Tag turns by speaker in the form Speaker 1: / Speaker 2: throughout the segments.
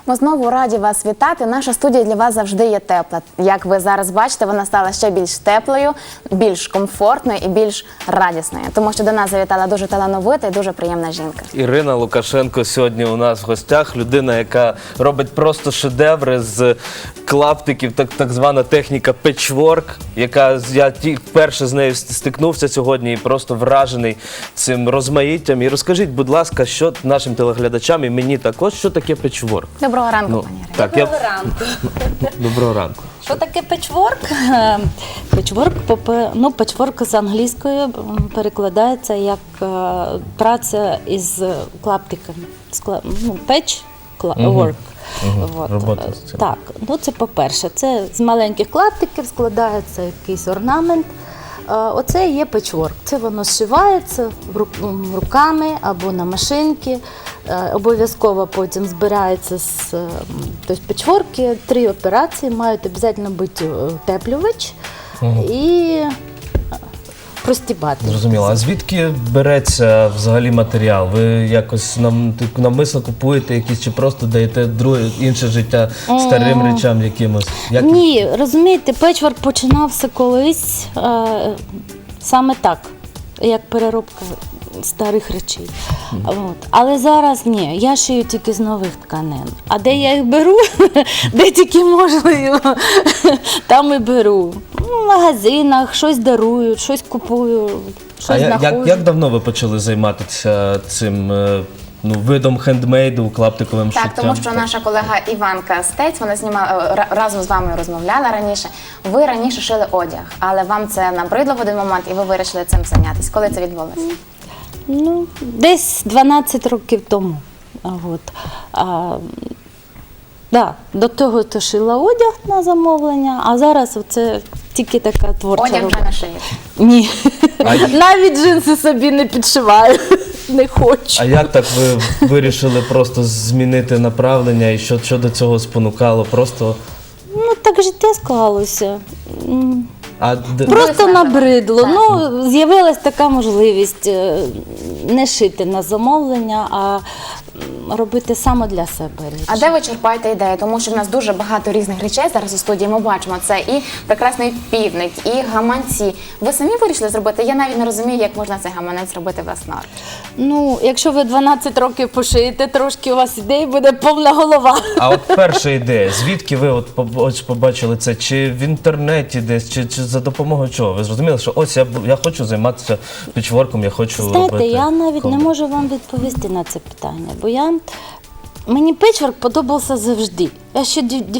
Speaker 1: Ми знову раді вас вітати. Наша студія для вас завжди є тепла. Як ви зараз бачите, вона стала ще більш теплою, більш комфортною і більш радісною. Тому що до нас завітала дуже талановита і дуже приємна жінка.
Speaker 2: Ірина Лукашенко сьогодні у нас в гостях. Людина, яка робить просто шедеври з клаптиків, так звана техніка петчворк, яка я вперше з нею стикнувся сьогодні і просто вражений цим розмаїттям. І розкажіть, будь ласка, що нашим телеглядачам і мені також, що таке петчворк?
Speaker 1: Доброго ранку, пані Ірина.
Speaker 2: Так,
Speaker 3: Доброго ранку.
Speaker 2: Доброго ранку.
Speaker 3: Що таке петчворк? Петчворк з англійської перекладається як праця із клаптиками. Петчворк.
Speaker 2: Робота з цим.
Speaker 3: Так, це по-перше, це з маленьких клаптиків складається якийсь орнамент. Оце є петчворк. Це воно зшивається руками або на машинки. Обов'язково потім збирається тобто петчворки, 3 операції, мають обов'язково бути утеплювач і простібати.
Speaker 2: Зрозуміло. А звідки береться взагалі матеріал? Ви якось навмисно купуєте якісь чи просто даєте інше життя старим речам якимось?
Speaker 3: Ні, розумієте, петчворк починався колись саме так, як переробка старих речей. Але зараз ні, я шию тільки з нових тканин. А де я їх беру, де тільки можливо, там і беру. В магазинах щось дарують, щось купую, щось знаходжу.
Speaker 2: Як давно ви почали займатися цим видом хендмейду, клаптиковим шиттям?
Speaker 1: Так, тому що наша колега Іванка Стець, вона знімала, разом з вами розмовляла раніше. Ви раніше шили одяг, але вам це набридло в один момент і ви вирішили цим зайнятися. Коли це відбулося?
Speaker 3: Десь 12 років тому. До того то шила одяг на замовлення, а зараз це тільки така творча
Speaker 1: Одяг вже
Speaker 3: робота.
Speaker 1: не шиєте?
Speaker 3: Ні. Навіть джинси собі не підшиваю. Не хочу.
Speaker 2: А як так ви вирішили просто змінити направлення і що до цього спонукало? Просто...
Speaker 3: Так життя склалося.
Speaker 2: А
Speaker 3: Просто набридло. З'явилась така можливість не шити на замовлення, а робити саме для себе речі.
Speaker 1: А де ви черпаєте ідею? Тому що в нас дуже багато різних речей зараз у студії. Ми бачимо це і прекрасний півник, і гаманці. Ви самі вирішили зробити? Я навіть не розумію, як можна цей гаманець робити власноруч.
Speaker 3: Якщо ви 12 років пошиєте, трошки у вас ідей буде повна голова.
Speaker 2: А от перша ідея, звідки ви побачили це? Чи в інтернеті десь, чи за допомогою чого? Ви зрозуміли, що ось я хочу займатися петчворком, я хочу робити...
Speaker 3: Знаєте, я навіть не можу вам відповісти на це питання, бо мені петчворк подобався завжди. Я ще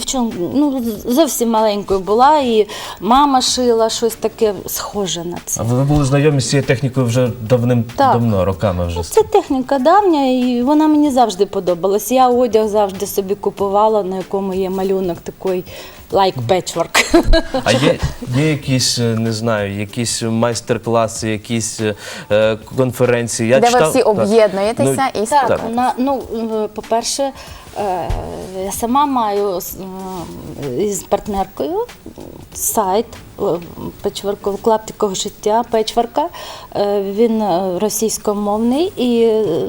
Speaker 3: зовсім маленькою була, і мама шила щось таке схоже на це.
Speaker 2: А ви були знайомі з цією технікою вже давним-давно, роками вже?
Speaker 3: Це техніка давня, і вона мені завжди подобалась. Я одяг завжди собі купувала, на якому є малюнок такий, like patchwork.
Speaker 2: А є якісь, не знаю, якісь майстер-класи, якісь конференції?
Speaker 1: Де ви всі об'єднуєтеся і
Speaker 3: по-перше, я сама маю із партнеркою сайт клаптикового шиття петчворка. Він російськомовний і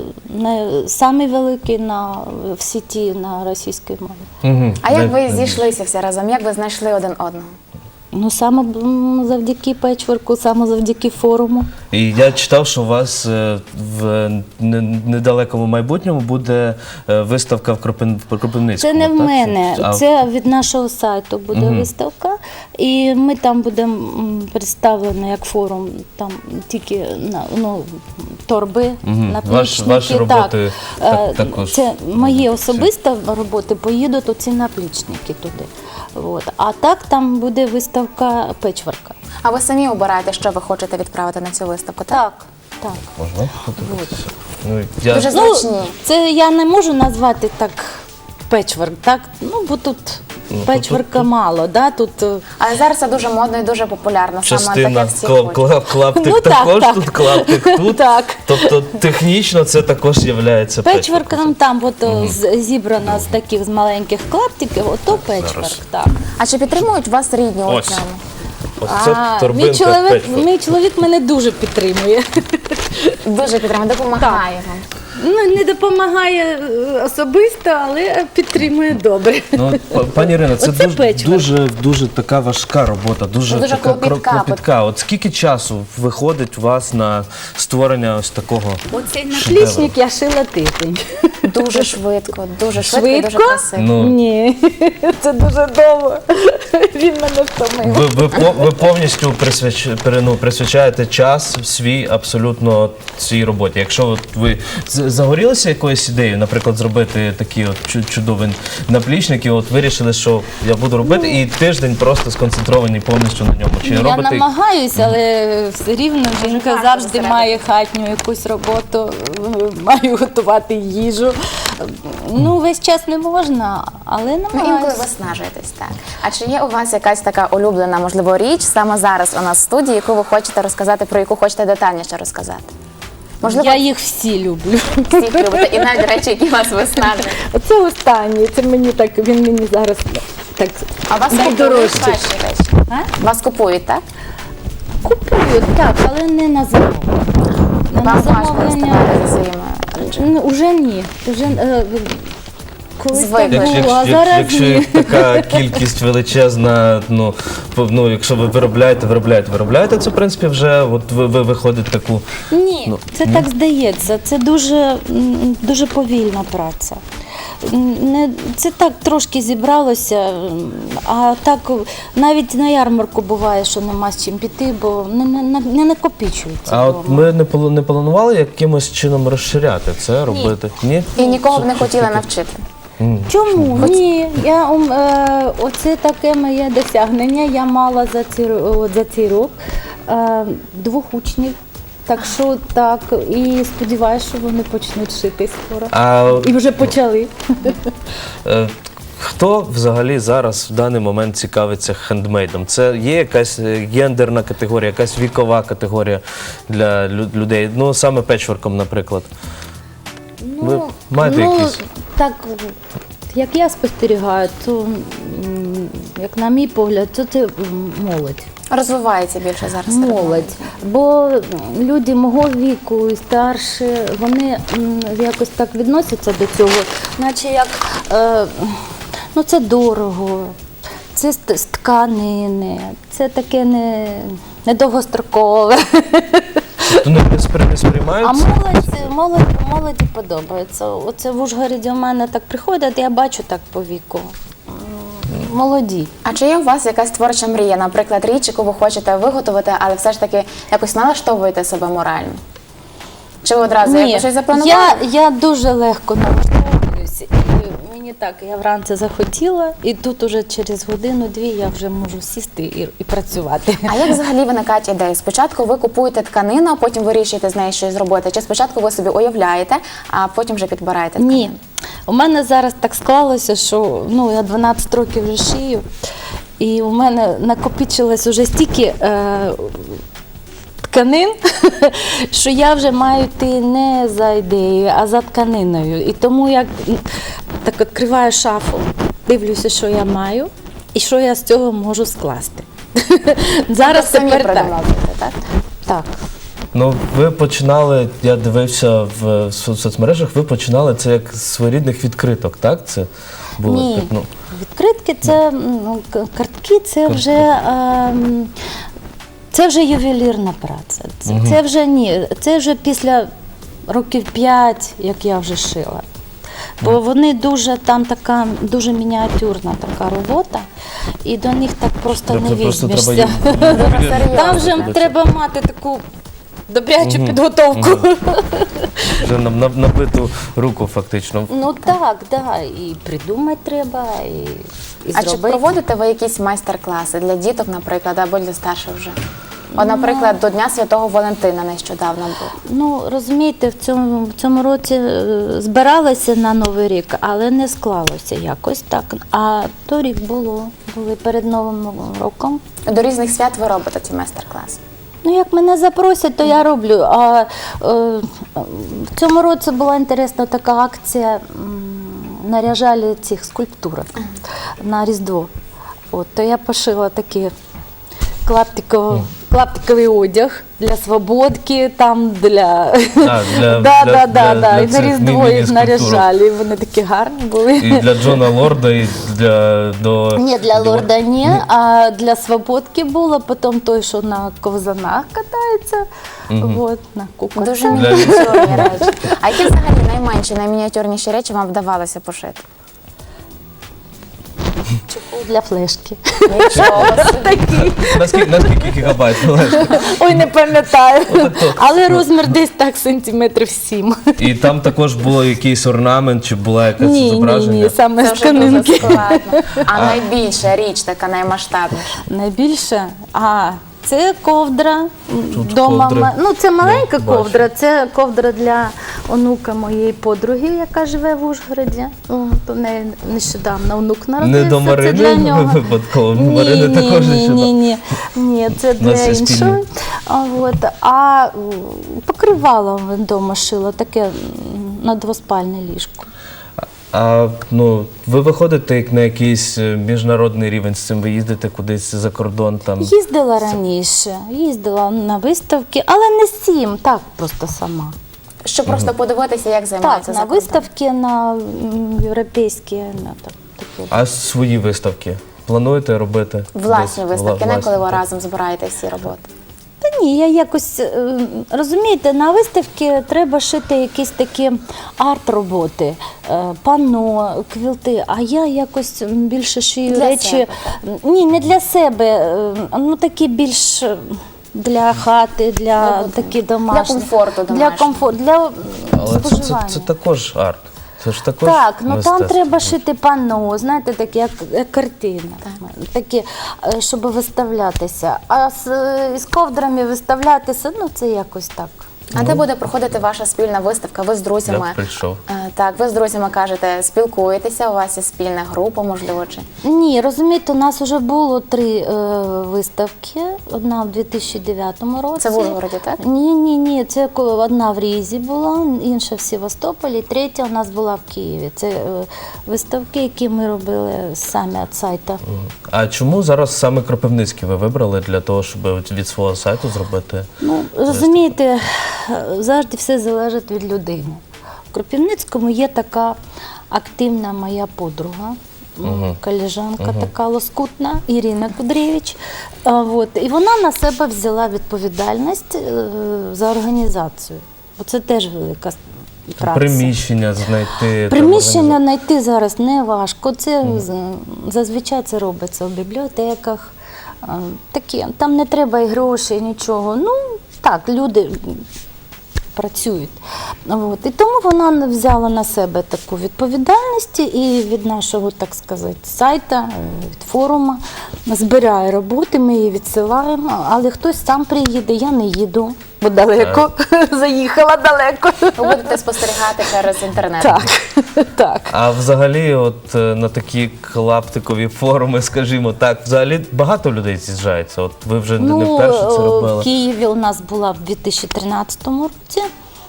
Speaker 3: самий великий в сіті на російській мові.
Speaker 1: А як ви зійшлися всі разом? Як ви знайшли один одного?
Speaker 3: Саме завдяки петчворку, саме завдяки форуму.
Speaker 2: І я читав, що у вас в недалекому майбутньому буде виставка в Кропивницькому.
Speaker 3: Це не в мене, це від нашого сайту буде виставка. І ми там будемо представлені як форум, там тільки торби, наплічники.
Speaker 2: Ваші роботи також.
Speaker 3: Це мої особисті роботи, поїдуть оці наплічники туди. А так там буде виставка петчворка.
Speaker 1: А ви самі обираєте, що ви хочете відправити на цю виставку, так?
Speaker 3: Так.
Speaker 2: Можна фотографувати?
Speaker 1: Дуже зручні.
Speaker 3: Це я не можу назвати так петчворк, так? Бо тут петчворка мало, да?
Speaker 1: Але зараз це дуже модно і дуже популярно.
Speaker 2: Частина
Speaker 1: клаптик
Speaker 2: клаптик також, тут клаптик тут. Тобто технічно це також є
Speaker 3: петчворком. Там зібрано з таких з маленьких клаптиків, ото петчворк, так.
Speaker 1: А чи підтримують вас рідні у цьому?
Speaker 3: Мій чоловік мене дуже підтримує.
Speaker 1: Дуже підтримує, допомагає вам.
Speaker 3: Ну, не допомагає особисто, але підтримує добре.
Speaker 2: Ну, пані Ірино, це
Speaker 3: Оце печиво.
Speaker 2: дуже така важка робота, дуже
Speaker 1: Дуже
Speaker 2: така
Speaker 1: клопітка.
Speaker 2: От скільки часу виходить у вас на створення ось такого
Speaker 3: Оцей
Speaker 2: шедевру?
Speaker 3: наплічник я шила тиждень.
Speaker 1: Дуже швидко і дуже
Speaker 3: Швидко?
Speaker 1: красиво.
Speaker 2: Ну,
Speaker 3: Ні, це дуже довго. Він мене втомив.
Speaker 2: ви повністю присвячаєте час свій абсолютно цій роботі. Якщо от ви загорілися якоюсь ідеєю, наприклад, зробити такі от чудові наплічники, от вирішили, що я буду робити, і тиждень просто сконцентровані повністю на ньому. Чи
Speaker 3: Я
Speaker 2: робите
Speaker 3: намагаюся, але все рівно жінка
Speaker 1: важко
Speaker 3: завжди
Speaker 1: зосередитися.
Speaker 3: має хатню якусь роботу, має готувати їжу. Ну, весь час не можна, але
Speaker 1: Ну, інколи
Speaker 3: намагаюся.
Speaker 1: виснажуєтесь, так. А чи є у вас якась така улюблена, можливо, річ саме зараз у нас в студії, яку ви хочете розказати, про яку хочете детальніше розказати? Можливо,
Speaker 3: Я їх всі люблю.
Speaker 1: всіх любите, і навіть речі, які вас виснажують.
Speaker 3: Оце останнє, це мені так, він мені зараз так
Speaker 1: А у вас
Speaker 3: найдорожче.
Speaker 1: ваші речі?
Speaker 3: А?
Speaker 1: Вас купують, так?
Speaker 3: Купую, так, але не на замовлення. Не на
Speaker 1: Вам важко
Speaker 3: замовлення.
Speaker 1: виставляти за своїми речами.
Speaker 3: Ну, уже ні. Уже, колись
Speaker 1: Звикли.
Speaker 3: так було, а зараз
Speaker 2: якщо
Speaker 3: ні.
Speaker 2: така кількість величезна, якщо ви виробляєте, це в принципі вже от ви виходить таку.
Speaker 3: Ні,
Speaker 2: Ну,
Speaker 3: це так здається. Це дуже повільна праця. Це так трошки зібралося, а так навіть на ярмарку буває, що нема з чим піти, бо не накопичується.
Speaker 2: А от
Speaker 3: вдома.
Speaker 2: ми не планували якимось чином розширяти це, робити? Ні?
Speaker 1: І нікого б не хотіли навчити.
Speaker 3: Чому? Ні, оце таке моє досягнення. Я мала за цей рік 2 учнів. Так що так, і сподіваюся, що вони почнуть шити скоро. І вже почали.
Speaker 2: Хто взагалі зараз в даний момент цікавиться хендмейдом? Це є якась гендерна категорія, якась вікова категорія для людей? Ну, саме печворком, наприклад. Ви маєте якісь?
Speaker 3: Так, як я спостерігаю, то, як на мій погляд, то це молодь.
Speaker 1: Розвивається більше зараз. серед
Speaker 3: Молодь. Бо люди мого віку і старші, вони якось так відносяться до цього, наче як ну це дорого, це з тканини, це таке недовгострокове.
Speaker 2: Тобто не сприймають?
Speaker 3: А молоді подобається. Оце в Ужгороді у мене так приходять, я бачу так по віку. Молоді.
Speaker 1: А чи є у вас якась творча мрія, наприклад, річ, яку ви хочете виготовити, але все ж таки якось налаштовуєте себе морально? Чи ви одразу якось щось запланували?
Speaker 3: Я дуже легко налаштовуюся. І мені так, я вранці захотіла, і тут уже через годину-дві я вже можу сісти і працювати.
Speaker 1: А як взагалі виникають ідеї? Спочатку ви купуєте тканину, а потім вирішуєте з нею щось зробити? Чи спочатку ви собі уявляєте, а потім вже підбираєте тканину?
Speaker 3: Ні. У мене зараз так склалося, що я 12 років вже шию, і у мене накопичилось уже стільки тканин, що я вже маю йти не за ідеєю, а за тканиною. І тому я так відкриваю шафу, дивлюся, що я маю і що я з цього можу скласти. Зараз
Speaker 1: Самі
Speaker 3: тепер так.
Speaker 1: придумовуєте, так?
Speaker 3: Так.
Speaker 2: Ну, ви починали, я дивився в соцмережах, ви починали це як з своєрідних відкриток, так? Це було
Speaker 3: Ні,
Speaker 2: так, ну.
Speaker 3: відкритки це картки, це вже ювелірна праця. Це вже ні, це вже після років 5, як я вже шила. Бо вони там така дуже мініатюрна така робота, і до них так просто не візьмешся. Там вже треба мати таку добрячу підготовку.
Speaker 2: Вже набиту руку фактично.
Speaker 3: Ну так, і придумати треба, і
Speaker 1: А чи
Speaker 3: зробити.
Speaker 1: проводите ви якісь майстер-класи для діток, наприклад, або для старших вже? От, наприклад, до Дня Святого Валентина нещодавно був.
Speaker 3: Ну, розумієте, в цьому році збиралися на Новий рік, але не склалося якось так. А торік були перед Новим роком.
Speaker 1: До різних свят ви робите ці майстер-класи?
Speaker 3: Ну, як мене запросять, то я роблю. А в цьому році була інтересна така акція, наряжали цих скульптурок на Різдво. От, то я пошила такий клаптиковий одяг. для свободки, там для...
Speaker 2: А, для
Speaker 3: Да. І на
Speaker 2: цих
Speaker 3: Різдво їх
Speaker 2: міні-скульптурок.
Speaker 3: наряжали, і вони такі гарні були.
Speaker 2: І для Джона Лорда, і до...
Speaker 3: Ні, для лорда ні, а для свободки було, потім той, що на ковзанах катається, от, на куколці.
Speaker 1: Дуже мініатюрні речі. А які взагалі найменші, наймініатюрніші речі вам вдавалося пошити?
Speaker 3: Чехол для флешки.
Speaker 1: Нічого собі.
Speaker 2: Наскільки гігабайт флешка?
Speaker 3: Ой, не пам'ятаю. Але розмір десь так сантиметрів 7.
Speaker 2: І там також було якийсь орнамент, чи була якась
Speaker 3: Ні,
Speaker 2: зображення?
Speaker 3: саме
Speaker 1: Це
Speaker 3: з
Speaker 1: вже дуже
Speaker 3: тканинки.
Speaker 1: складно. А найбільша річ, така наймасштабніша?
Speaker 3: Найбільше? Це ковдра.
Speaker 2: ковдри.
Speaker 3: Ну, це маленька
Speaker 2: бачу.
Speaker 3: ковдра, це ковдра для онука моєї подруги, яка живе в Ужгороді. То в неї нещодавно онук народився.
Speaker 2: Не до
Speaker 3: Це для
Speaker 2: Марини
Speaker 3: нього.
Speaker 2: випадково? Марини також нещодавно.
Speaker 3: Ні, це
Speaker 2: У нас
Speaker 3: для
Speaker 2: є спільні.
Speaker 3: іншої. А покривало вдома шила, таке на двоспальне ліжко.
Speaker 2: А ви виходите як на якийсь міжнародний рівень з цим, ви їздите кудись за кордон там?
Speaker 3: Їздила раніше, їздила на виставки, але не сім, так просто сама.
Speaker 1: Щоб просто подивитися, як
Speaker 3: Так,
Speaker 1: займаються
Speaker 3: на
Speaker 1: за кордоном.
Speaker 3: виставки, на європейські, на такі.
Speaker 2: А свої виставки плануєте робити?
Speaker 1: Власні
Speaker 2: десь?
Speaker 1: виставки, не
Speaker 2: Власні,
Speaker 1: коли ви
Speaker 2: так.
Speaker 1: разом збираєте всі роботи.
Speaker 3: Та ні, я якось, розумієте, на виставки треба шити якісь такі арт-роботи, панно, квілти, а я якось більше шию
Speaker 1: Для
Speaker 3: речі.
Speaker 1: себе,
Speaker 3: Ні, не для себе, ну такі більш для хати, для такі домашні.
Speaker 1: Для комфорту
Speaker 3: Для
Speaker 1: домашнього.
Speaker 3: комфорту, для
Speaker 2: Але
Speaker 3: споживання.
Speaker 2: це також арт. Це ж також
Speaker 3: Так, ну там
Speaker 2: мистецтво.
Speaker 3: треба шити панно, знаєте, таке як картина, такі, щоб виставлятися. А з ковдрами виставлятися, ну це якось так.
Speaker 1: А де буде проходити ваша спільна виставка? Ви з друзями?
Speaker 2: Я б прийшов.
Speaker 1: Так, ви з друзями кажете, спілкуєтеся, у вас є спільна група, можливо, чи?
Speaker 3: Ні, розумієте, у нас вже було 3 виставки. Одна в 2009 році.
Speaker 1: Це в Ужгороді, так?
Speaker 3: Ні, це одна в Різі була, інша в Севастополі, третя у нас була в Києві. Це виставки, які ми робили самі від сайту.
Speaker 2: А чому зараз саме Кропивницький ви вибрали для того, щоб від свого сайту зробити?
Speaker 3: Ну, розумієте, завжди все залежить від людини. В Кропивницькому є така активна моя подруга, колежанка така лоскутна, Ірина Кудрєвич. І вона на себе взяла відповідальність за організацію. Бо це теж велика праця.
Speaker 2: Приміщення знайти.
Speaker 3: Приміщення знайти зараз не важко. Це зазвичай це робиться в бібліотеках. Такі, там не треба і грошей, нічого. Ну, так, люди працюють. І тому вона взяла на себе таку відповідальність і від нашого, так сказати, сайту, від форуму збирає роботи, ми її відсилаємо, але хтось сам приїде, я не їду, бо далеко, заїхала далеко.
Speaker 1: Ви будете спостерігати через інтернет.
Speaker 3: Так.
Speaker 2: А взагалі, от на такі клаптикові форуми, скажімо так, взагалі багато людей з'їжджається. От ви вже не вперше це робили.
Speaker 3: В Києві у нас була в 2013 році.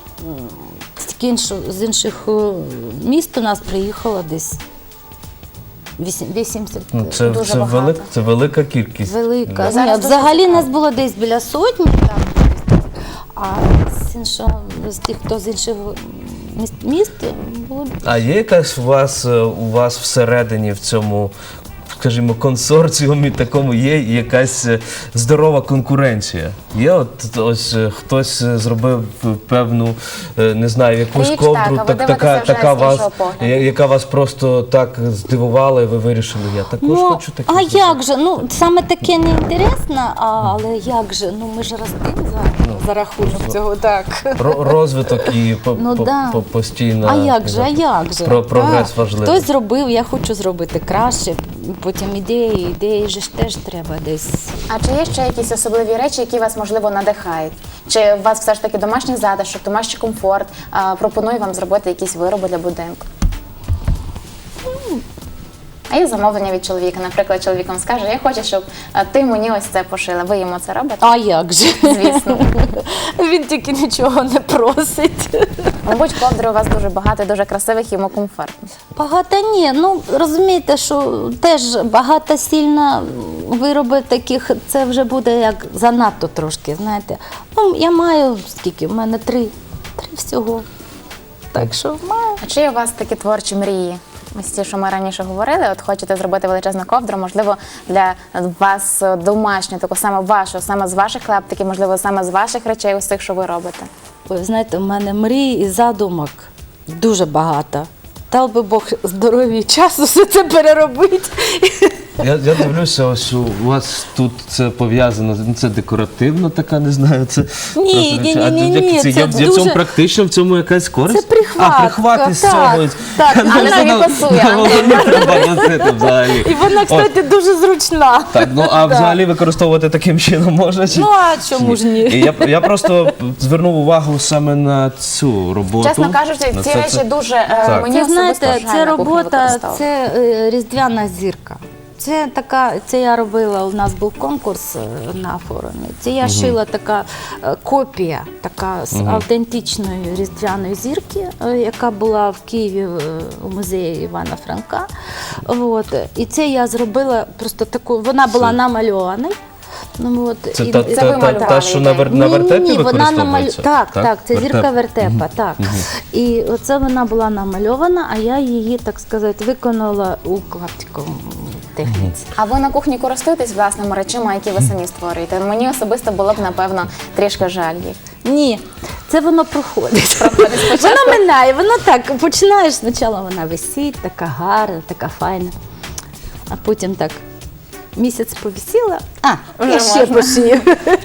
Speaker 3: З інших міст у нас приїхало десь 80.
Speaker 2: Це
Speaker 1: Дуже багато.
Speaker 2: це велика кількість.
Speaker 3: Велика.
Speaker 2: Да.
Speaker 1: Зараз
Speaker 3: Ні,
Speaker 1: дуже
Speaker 3: взагалі
Speaker 1: цікаво.
Speaker 3: нас було десь біля сотні, там, а з тих, хто з інших міст було.
Speaker 2: А є якась у вас всередині в цьому, скажімо, консорціумі такому є якась здорова конкуренція? Є от ось хтось зробив певну, не знаю, якусь
Speaker 1: Річ,
Speaker 2: ковдру,
Speaker 1: так, а ви дивитеся вже
Speaker 2: така
Speaker 1: з
Speaker 2: вас,
Speaker 1: іншого погляду.
Speaker 2: яка вас просто так здивувала, і ви вирішили, я також хочу таке.
Speaker 3: а
Speaker 2: зробити.
Speaker 3: як же? Ну, саме таке не інтересно, але як же? Ну, ми ж ростемо за рахунок цього, так.
Speaker 2: Розвиток і
Speaker 3: Да.
Speaker 2: постійно.
Speaker 3: А як же?
Speaker 2: Прогрес
Speaker 3: Так.
Speaker 2: важливий.
Speaker 3: Хтось зробив, я хочу зробити краще. Потім ідеї ж теж треба десь.
Speaker 1: А чи є ще якісь особливі речі, які вас, можливо, надихають? Чи у вас все ж таки домашній затишок, домашній комфорт пропонує вам зробити якісь вироби для будинку? А є замовлення від чоловіка. Наприклад, чоловік вам скаже, я хочу, щоб ти мені ось це пошила. Ви йому це робите?
Speaker 3: А як же?
Speaker 1: Звісно.
Speaker 3: Він тільки нічого не просить.
Speaker 1: Мабуть, ковдри у вас дуже багато, і дуже красивих, йому комфортно.
Speaker 3: Багато ні. Ну розумієте, що теж багато сильно вироби таких, це вже буде як занадто трошки, знаєте. Ну, я маю скільки? У мене три всього. Так що маю.
Speaker 1: А чи є у вас такі творчі мрії? Ось ті, що ми раніше говорили, от хочете зробити величезну ковдру, можливо, для вас домашню, таку саме вашу, саме з ваших клаптиків, можливо, саме з ваших речей, ось тих, що ви робите.
Speaker 3: Ви знаєте, у мене мрій і задумок дуже багато. Дав би Бог здоров'я і часу все це переробити.
Speaker 2: Я дивлюся, ось у вас тут це пов'язано, це декоративно така, не знаю, це...
Speaker 3: Ні,
Speaker 2: просто-
Speaker 3: ні,
Speaker 2: це,
Speaker 3: це
Speaker 2: я в цьому
Speaker 3: дуже-
Speaker 2: практично, в цьому якась користь?
Speaker 3: Це прихватка,
Speaker 2: А, прихват із
Speaker 3: так,
Speaker 2: цього.
Speaker 3: так.
Speaker 1: Але тобі пасує, Андрій.
Speaker 2: Не треба носити взагалі.
Speaker 3: І вона, кстати, дуже зручна.
Speaker 2: Так, ну а взагалі використовувати таким чином можна? Чи?
Speaker 3: Ну а чому ж ні?
Speaker 2: І я просто звернув увагу саме на цю роботу.
Speaker 1: Чесно кажучи,
Speaker 2: На
Speaker 1: ці
Speaker 2: це-
Speaker 1: речі дуже
Speaker 2: Так.
Speaker 1: мені
Speaker 3: Це,
Speaker 1: особисто
Speaker 3: знаєте,
Speaker 1: жаль
Speaker 3: це
Speaker 1: на кухні
Speaker 3: робота,
Speaker 1: використовувати.
Speaker 3: це різдвяна зірка. Це така, це я робила, у нас був конкурс на форумі. Це я шила така копія, така з автентичної різдвяної зірки, яка була в Києві у музеї Івана Франка. От. І це я зробила просто таку, вона була намальована. Ну, от,
Speaker 2: Це
Speaker 3: і-
Speaker 2: та,
Speaker 1: малювали
Speaker 2: та, що на,
Speaker 1: ідею?
Speaker 2: на вертепі
Speaker 3: ні, вона
Speaker 2: використовується?
Speaker 3: Так, це
Speaker 2: Вертеп.
Speaker 3: зірка вертепа, так. І оце вона була намальована, а я її, так сказати, виконала у клаптиковому техніці.
Speaker 1: А ви на кухні користуєтесь власними речима, які ви самі створюєте? Мені особисто було б, напевно, трішки жаль їх.
Speaker 3: Ні, це воно проходить. Воно минає, воно так, починаєш, спочатку вона висить, така гарна, така файна, а потім так місяць повисіла,
Speaker 1: Вже
Speaker 3: я ще
Speaker 1: можна.
Speaker 3: пошию.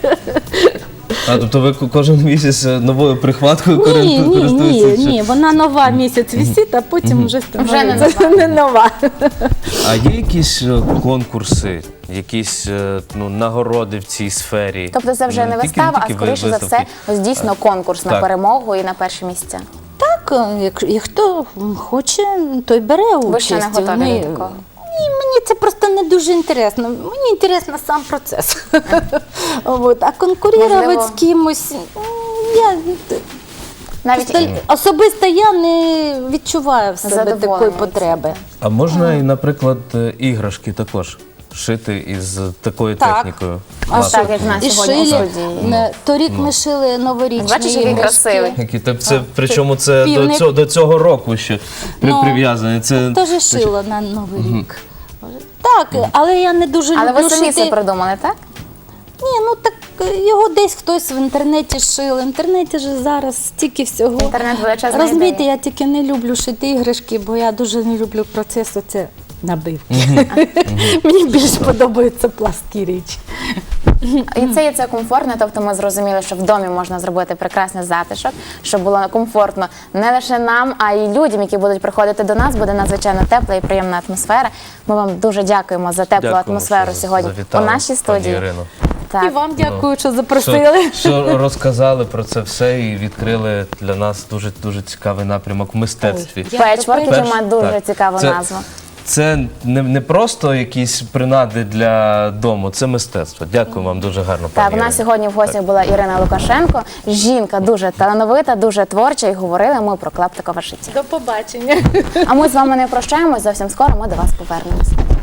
Speaker 2: А, тобто ви кожен місяць новою прихваткою
Speaker 3: Ні,
Speaker 2: користуєтеся? чи-
Speaker 3: ні, вона нова місяць висить, а потім вже
Speaker 1: Вже не
Speaker 3: становиться не нова.
Speaker 2: А є якісь конкурси, якісь нагороди в цій сфері?
Speaker 1: Тобто це вже не
Speaker 2: тільки-
Speaker 1: вистава, а
Speaker 2: тільки
Speaker 1: скоріше за все,
Speaker 2: виставки.
Speaker 1: ось дійсно конкурс на
Speaker 2: Так.
Speaker 1: перемогу і на перші місця.
Speaker 3: Так, як хто хоче, той бере участь.
Speaker 1: Ви ще не готові
Speaker 3: Ми-
Speaker 1: до такого?
Speaker 3: Ні, мені це просто не дуже інтересно. Мені інтересно сам процес. От. А конкурувати
Speaker 1: Можливо.
Speaker 3: з кимось, я
Speaker 1: Навіть
Speaker 3: просто особисто я не відчуваю в себе
Speaker 1: Задоволення
Speaker 3: такої
Speaker 1: від
Speaker 3: потреби.
Speaker 2: А можна і, наприклад, іграшки також шити із такою
Speaker 3: Так.
Speaker 2: технікою?
Speaker 3: А
Speaker 2: Класно.
Speaker 1: так, як в нас
Speaker 3: І
Speaker 1: сьогодні у
Speaker 3: шили.
Speaker 1: студії.
Speaker 3: Торік ми шили новорічні
Speaker 1: Бачиш, який
Speaker 3: іграшки.
Speaker 1: красивий.
Speaker 2: Причому це
Speaker 3: півник.
Speaker 2: до цього року ще
Speaker 3: Ну,
Speaker 2: прив'язаний. Це
Speaker 3: Теж шила на Новий рік. Так, але я не дуже
Speaker 1: Але
Speaker 3: люблю
Speaker 1: ви самі це
Speaker 3: шити.
Speaker 1: придумали, так?
Speaker 3: Ні, ну так його десь хтось в інтернеті шив. В інтернеті ж зараз стільки всього.
Speaker 1: Інтернет величезна
Speaker 3: Розумієте,
Speaker 1: ідея.
Speaker 3: я тільки не люблю шити іграшки, бо я дуже не люблю процес оце набивки. Мені більш подобаються пласкі речі.
Speaker 1: І це комфортно, тобто ми зрозуміли, що в домі можна зробити прекрасний затишок, щоб було комфортно не лише нам, а й людям, які будуть приходити до нас, буде надзвичайно тепла і приємна атмосфера. Ми вам дуже дякуємо за теплу
Speaker 2: Дякуємо,
Speaker 1: атмосферу
Speaker 2: що
Speaker 1: сьогодні у
Speaker 2: завітали,
Speaker 1: нашій
Speaker 2: пані
Speaker 1: студії.
Speaker 2: Ірино.
Speaker 1: Так.
Speaker 3: І вам дякую, що
Speaker 2: Що,
Speaker 3: запросили.
Speaker 2: що розказали про це все і відкрили для нас дуже цікавий напрямок в мистецтві.
Speaker 3: Ой,
Speaker 1: Печворк, який
Speaker 2: Перш-
Speaker 1: має дуже
Speaker 2: так.
Speaker 1: цікаву
Speaker 2: Це-
Speaker 1: назву.
Speaker 2: Це не просто якісь принади для дому, це мистецтво. Дякую вам дуже гарно.
Speaker 1: Так,
Speaker 2: пані
Speaker 1: у нас
Speaker 2: Ірино.
Speaker 1: сьогодні в гостях була Ірина Лукашенко, жінка дуже талановита, дуже творча, і говорили ми про клаптикове шиття.
Speaker 3: До побачення.
Speaker 1: А ми з вами не прощаємось, зовсім скоро ми до вас повернемось.